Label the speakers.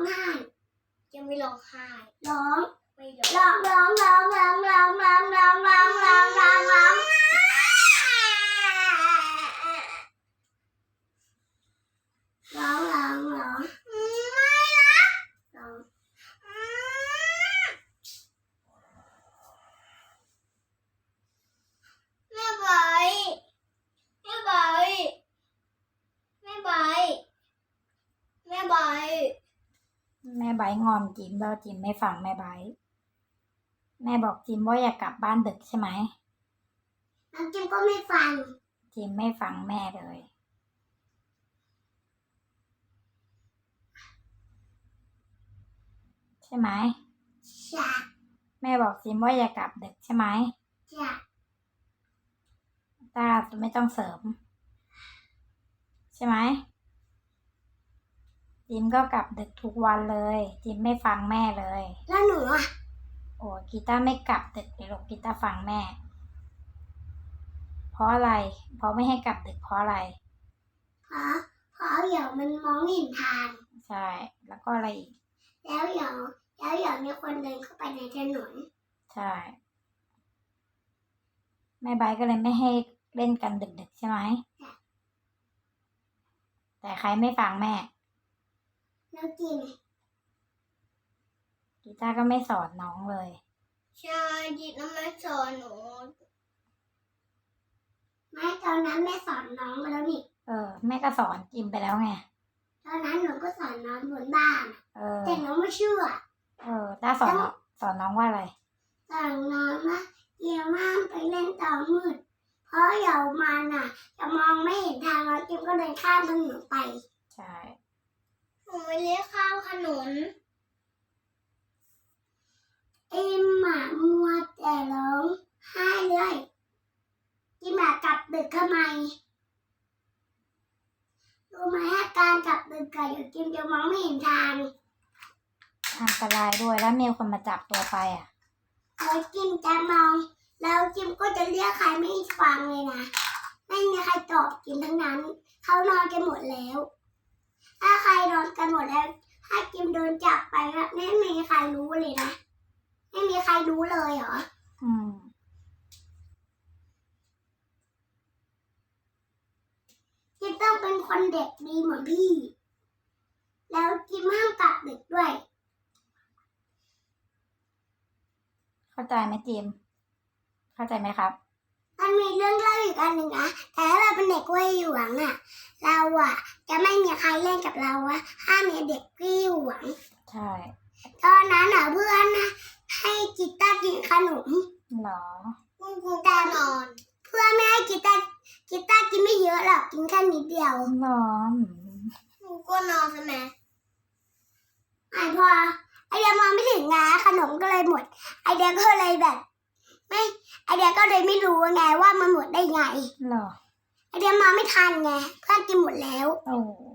Speaker 1: ไห้
Speaker 2: จะไม่ร้องไห้
Speaker 1: ร้อง
Speaker 2: ไม่
Speaker 1: ร้องร้องร้องร้องร้องร้องร้องร้องร้องร้องร้องร้องร้องร้อง
Speaker 2: ไม่รัก
Speaker 1: ร้อง
Speaker 2: แม่ใบแม่ใบแม่ใบแม่ใบ
Speaker 3: แม่ไบร์ทงอนจิมแล้วจิมไม่ฟังแม่ไบร์ทแม่บอกจิมว่าอย่ากลับบ้านดึกใช่ไหม
Speaker 1: น้องจิมก็ไม่ฟัง
Speaker 3: จิมไม่ฟังแม่เลยใช่ไหม
Speaker 1: จ้ะ
Speaker 3: แม่บอกจิมว่าอย่ากลับดึกใช่ไหม
Speaker 1: จ้ะ
Speaker 3: ตาไม่ต้องเสริมใช่ไหมจิมก็กลับดึกทุกวันเลยจิมไม่ฟังแม่เลย
Speaker 1: แล้วหนูอ่ะ
Speaker 3: โอ้กีตาร์ไม่กลับดึกเลยลูกกีตาร์ฟังแม่เพราะอะไรเพราะไม่ให้กลับดึกเพราะอะไร
Speaker 1: เพราะเดี๋ยวมันมองไม่เห็นทาง
Speaker 3: ใช่แล้วก็อะไรอีก
Speaker 1: แล้วเดี๋ยวมีคนเดินเข้าไปในถนน
Speaker 3: ใช่แม่ไบร์ทก็เลยไม่ให้เล่นกันดึกๆใช่ไหมแต่ใครไม่ฟังแม่
Speaker 1: แล้วจิม
Speaker 3: กีตาร์ก็ไม่สอนน้องเลย
Speaker 2: ใช่จิตน้ำไม่สอนหนู
Speaker 1: ไม่ตอนนั้นแม่สอนน้องมาแล้วนี่
Speaker 3: แม่ก็สอนจิมไปแล้วไง
Speaker 1: ตอนนั้นหนูก็สอนน้องบนบ้านแต่น้องไม่เชื่อ
Speaker 3: ตาสอนน้องว่าอะไร
Speaker 1: สอนน้องว่าเดี๋ยวห้ามไปเล่นตอนมืดเพราะเดี๋ยวมันอ่ะจะมองไม่เห็นทางแล้วจิมก็เดินข้ามถนนไป
Speaker 3: ใช่
Speaker 2: หนูไม่เลี้ยข้าวขนุน
Speaker 1: หมามัวแต่ร้องไห้เลยจิมกลับดึกทำไมรู้ไหมการกลับดึกกับอยู่จิมจะมองไม่เห็นทาง
Speaker 3: อันตรายด้วยแล้วมีคนมาจับตัวไป
Speaker 1: แล้วจิมจะมองแล้วจิมก็จะเรียกใครไม่ฟังเลยนะไม่มีใครตอบจิมทั้งนั้นเขานอนกันหมดแล้วถ้าใครนอนกันหมดแล้วถ้าจิมโดนจับไปครับไม่มีใครรู้เลยนะไม่มีใครรู้เลยเหรอจิมต้องเป็นคนเด็กดีเหมือนพี่แล้วจิมห้ามกลับดึกด้วย
Speaker 3: เข้าใจไหมจิมเข้าใจไหมครับ
Speaker 1: มันมีเรื่องเล่าอีกอันหนึ่งนะแต่ถ้าเราเป็นเด็กวัยหยวงเราจะไม่มีใครเล่นกับเราห้ามมีเด็กวัยหยวง
Speaker 3: ใช่
Speaker 1: ตอนนั้นเพื่อนให้กีตาร์กินขนม
Speaker 3: หรอ
Speaker 2: คุณครูก็นอน
Speaker 1: เพื่อนไม่ให้กีตาร์กินไม่เยอะหรอกกินแค่นิดเดียว
Speaker 3: หรอ
Speaker 2: ครูก็นอนใช่ไหม
Speaker 1: พอไอเดียมองไม่ถึงไงขนมก็เลยหมดไอเดียก็เลยแบบไอเดียก็เลยไม่รู้ไงว่ามันหมดได้ไง
Speaker 3: หรอ
Speaker 1: ไอเดียมองไม่ทันไงเพื่อนกินหมดแล้ว
Speaker 3: โอ้